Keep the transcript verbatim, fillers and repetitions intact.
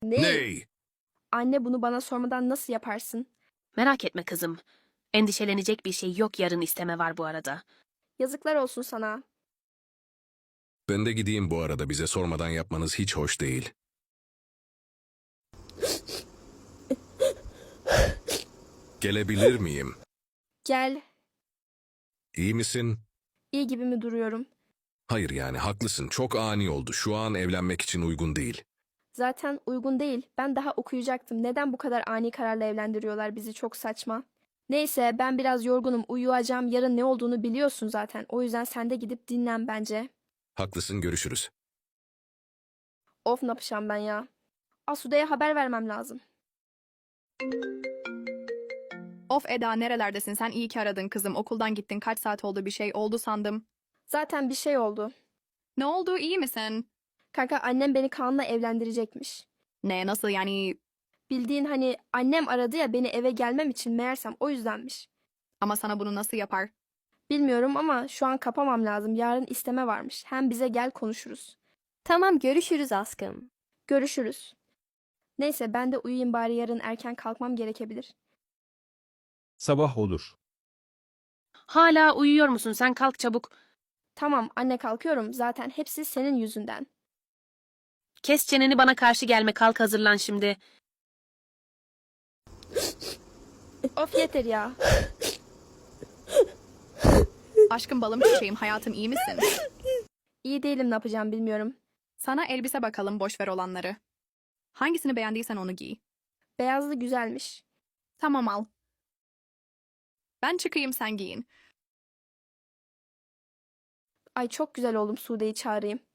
Ne? Ney? Anne bunu bana sormadan nasıl yaparsın? Merak etme kızım. Endişelenecek bir şey yok, yarın isteme var bu arada. Yazıklar olsun sana. Ben de gideyim bu arada, bize sormadan yapmanız hiç hoş değil. Gelebilir miyim? Gel. İyi misin? İyi gibi mi duruyorum? Hayır yani haklısın, çok ani oldu. Şu an evlenmek için uygun değil. Zaten uygun değil. Ben daha okuyacaktım. Neden bu kadar ani kararla evlendiriyorlar bizi? Çok saçma. Neyse ben biraz yorgunum. Uyuyacağım. Yarın ne olduğunu biliyorsun zaten. O yüzden sen de gidip dinlen bence. Haklısın, görüşürüz. Of ne yapacağım ben ya? Asude'ye haber vermem lazım. Of Eda, nerelerdesin? Sen iyi ki aradın kızım. Okuldan gittin. Kaç saat oldu, bir şey oldu sandım. Zaten bir şey oldu. Ne oldu, iyi misin? Kanka annem beni Kaan'la evlendirecekmiş. Ne, nasıl yani? Bildiğin hani annem aradı ya beni eve gelmem için, meğersem o yüzdenmiş. Ama sana bunu nasıl yapar? Bilmiyorum ama şu an kapamam lazım. Yarın isteme varmış. Hem bize gel konuşuruz. Tamam, görüşürüz aşkım. Görüşürüz. Neyse ben de uyuyayım bari, yarın erken kalkmam gerekebilir. Sabah olur. Hala uyuyor musun? Sen kalk çabuk. Tamam anne, kalkıyorum. Zaten hepsi senin yüzünden. Kes çeneni, bana karşı gelme, kalk hazırlan şimdi. Of yeter ya. Aşkım, balım, çiçeğim, hayatım, iyi misin? İyi değilim, ne yapacağım bilmiyorum. Sana elbise bakalım, boş ver olanları. Hangisini beğendiysen onu giy. Beyazlı güzelmiş. Tamam, al. Ben çıkayım, sen giyin. Ay çok güzel oldum, Sude'yi çağırayım.